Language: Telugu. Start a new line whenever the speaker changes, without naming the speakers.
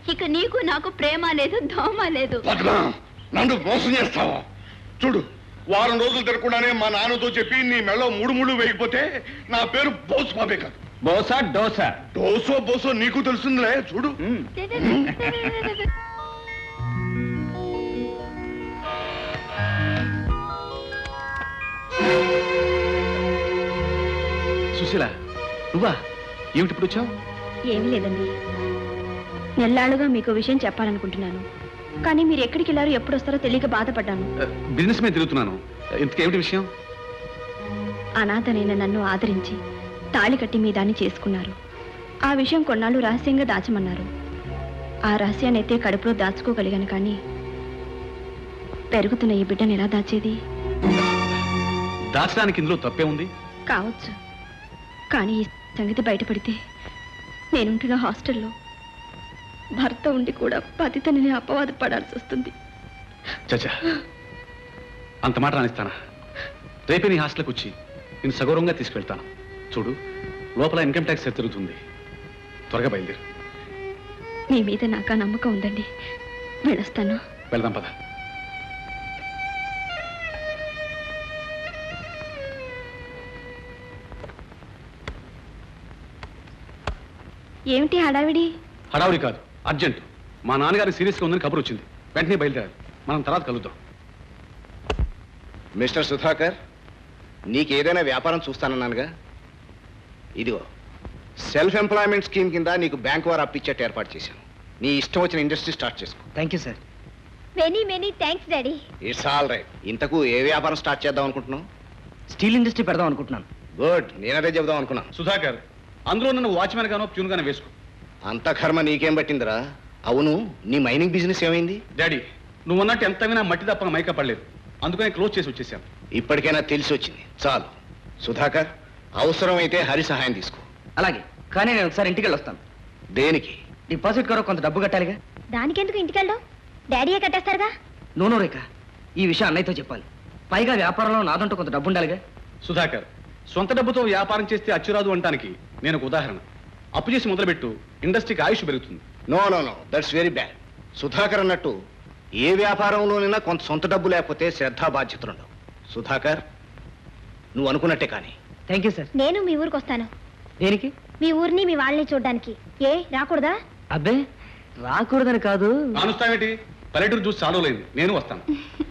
ఇక నీకు నాకు ప్రేమ లేదు, దోమ లేదు.
నన్ను మోసం చేస్తావా? చూడు, వారం రోజులు తిరగకుండానే మా నాన్నతో చెప్పి నీ మెళ్ళో 3 ముళ్ళు వేయకపోతే నా పేరు బోసు బాబే కాదు.
బోసా డోసా?
డోసో బోసో నీకు తెలుస్తుందిలే. చూడు.
సుశీల, నువ్వా? ఏమిటి ఇప్పుడు వచ్చావు?
ఏమీ లేదండి, నెల్లాళ్ళుగా మీకు విషయం చెప్పాలనుకుంటున్నాను. కానీ మీరు ఎక్కడికి వెళ్ళారో ఎప్పుడు వస్తారో తెలియక బాధపడ్డాను.
బిజినెస్ మీద తిరుగుతున్నాను. ఇంతకేమిటి విషయం?
అనాథనైన నన్ను ఆదరించి తాళి కట్టి మీ దాన్ని చేసుకున్నారు. ఆ విషయం కొన్నాళ్ళు రహస్యంగా దాచమన్నారు. ఆ రహస్యాన్ని అయితే కడుపులో దాచుకోగలిగాను, కానీ పెరుగుతున్న ఈ బిడ్డను ఎలా దాచేది?
దాచడానికి ఇందులో తప్పే ఉంది?
కావచ్చు, కానీ ఈ సంగతి బయటపడితే నేనుంటున్న హాస్టల్లో భర్త ఉండి కూడా పతితని అపవాద పడాల్సి వస్తుంది.
చచ్చా, అంత మాట రానిస్తానా? రేపే నీ హాస్టల్కి వచ్చి నేను సగౌరవంగా తీసుకెళ్తాను. చూడు, లోపల ఇన్కమ్ ట్యాక్స్ తిరుగుతుంది. త్వరగా బయలుదేరు.
మీ మీద నాకు ఆ నమ్మకం ఉందండి. వెళ్ళొస్తాను.
వెళ్దాం పద.
ఏమిటి హడావిడి?
హడావుడి కాదు, అర్జెంట్. మా నాన్నగారి సీరియస్గా ఉందని కబురు వచ్చింది. వెంటనే బయలుదేరాలి. మనం తర్వాత కలుద్దాం.
మిస్టర్ సుధాకర్, నీకేదైనా వ్యాపారం చూస్తానన్నానుగా. ఇదిగో సెల్ఫ్ ఎంప్లాయ్మెంట్ స్కీమ్ కింద నీకు బ్యాంక్ వారు అప్పిచ్చేట్టు ఏర్పాటు చేశాను. నీ ఇష్టం వచ్చిన ఇండస్ట్రీ స్టార్ట్ చేసుకో.
Thank you sir.
Many thanks daddy.
It's all right. ఇంతకు ఏ వ్యాపారం స్టార్ట్ చేద్దాం అనుకుంటున్నావు?
స్టీల్ ఇండస్ట్రీ పెడదాం అనుకుంటున్నాను.
గుడ్, నేనదే చెబుదాం అనుకున్నాను.
సుధాకర్, అందులో నన్ను వాచ్మెన్ గానో ప్యూన్ గానో వేసుకో.
అంత కర్మ నీకేం పట్టిందిరా? అవును, నీ మైనింగ్ బిజినెస్ ఏమైంది?
డాడీ, నువ్వు అన్నట్టు ఎంత వినా మట్టి తప్ప మైకా పడలేదు. అందుకని క్లోజ్ చేసి వచ్చేసాను.
ఇప్పటికైనా తెలిసి వచ్చింది, చాలు. సుధాకర్, అవసరమైతే హరి సహాయం తీసుకో.
అలాగే, కానీ నేను ఒకసారి ఇంటికి వెళ్ళొస్తాను.
దేనికి?
డిపాజిట్ కొరకు కొంత డబ్బు కట్టాలిగా.
దానికెందుకు ఇంటికి వెళ్ళడం? డాడీయే కట్టేస్తారుగా.
నో రేఖ, ఈ విషయం అన్నయ్యతో చెప్పాలి. పైగా వ్యాపారంలో నాదంటూ కొంత డబ్బు ఉండాలిగా.
సుధాకర్, సొంత డబ్బుతో వ్యాపారం చేస్తే అచ్చురాదు అంటానికి నేను ఒక ఉదాహరణ. అప్పు చేసి మొదలుపెట్టు, ఇండస్ట్రీకి ఆయుష్ పెరుగుతుంది.
No no no, that's very bad. Sudhakar అన్నట్టు ఏ వ్యాపారంలోనైనా కొంత సొంత డబ్బు లేకపోతే శ్రద్ధా బాధ్యతలు ఉండవు. సుధాకర్, నువ్వు అనుకున్నట్టే కానీ.
Thank you sir.
నేను మీ ఊరికి వస్తాను.
దేనికి?
మీ ఊరిని మీ వాళ్ళని చూడడానికి. ఏ రాకూడదా?
అబ్బే, రాకూడదని కాదు.
కానుస్తావేటి? పల్లెటూరు చూసి చాలలేదు. నేను వస్తాను.